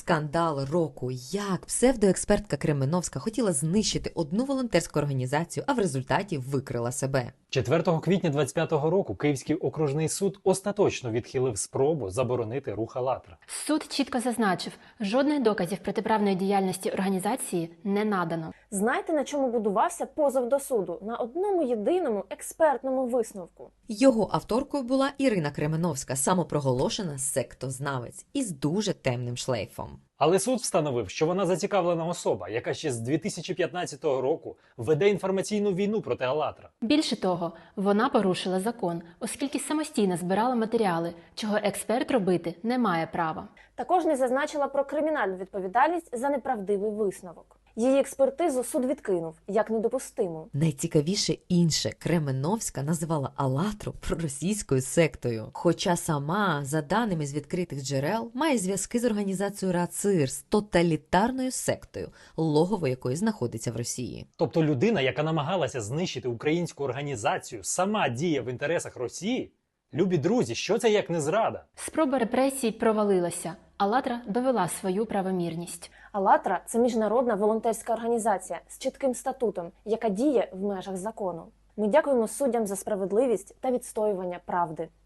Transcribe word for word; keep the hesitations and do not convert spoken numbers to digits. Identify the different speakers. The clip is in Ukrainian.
Speaker 1: Скандал року. Як псевдоекспертка Кременовська хотіла знищити одну волонтерську організацію, а в результаті викрила себе.
Speaker 2: четвертого квітня двадцять п'ятого року Київський окружний суд остаточно відхилив спробу заборонити рух «АЛЛАТРА».
Speaker 3: Суд чітко зазначив, жодних доказів протиправної діяльності організації не надано.
Speaker 4: Знаєте, на чому будувався позов до суду? На одному єдиному експертному висновку.
Speaker 1: Його авторкою була Ірина Кременовська, самопроголошена сектознавець із дуже темним шлейфом.
Speaker 2: Але суд встановив, що вона зацікавлена особа, яка ще з дві тисячі п'ятнадцятого року веде інформаційну війну проти «АЛЛАТРА».
Speaker 3: Більше того, вона порушила закон, оскільки самостійно збирала матеріали, чого експерт робити не має права.
Speaker 4: Також не зазначила про кримінальну відповідальність за неправдивий висновок. Її експертизу суд відкинув, як недопустиму.
Speaker 1: Найцікавіше інше, Кременовська називала «АЛЛАТРу» проросійською сектою. Хоча сама, за даними з відкритих джерел, має зв'язки з організацією РАЦИР, з тоталітарною сектою, логово якої знаходиться в Росії.
Speaker 2: Тобто людина, яка намагалася знищити українську організацію, сама діє в інтересах Росії? Любі друзі, що це як не зрада?
Speaker 3: Спроба репресій провалилася. «АЛЛАТРА» довела свою правомірність.
Speaker 4: «АЛЛАТРА» – це міжнародна волонтерська організація з чітким статутом, яка діє в межах закону. Ми дякуємо суддям за справедливість та відстоювання правди.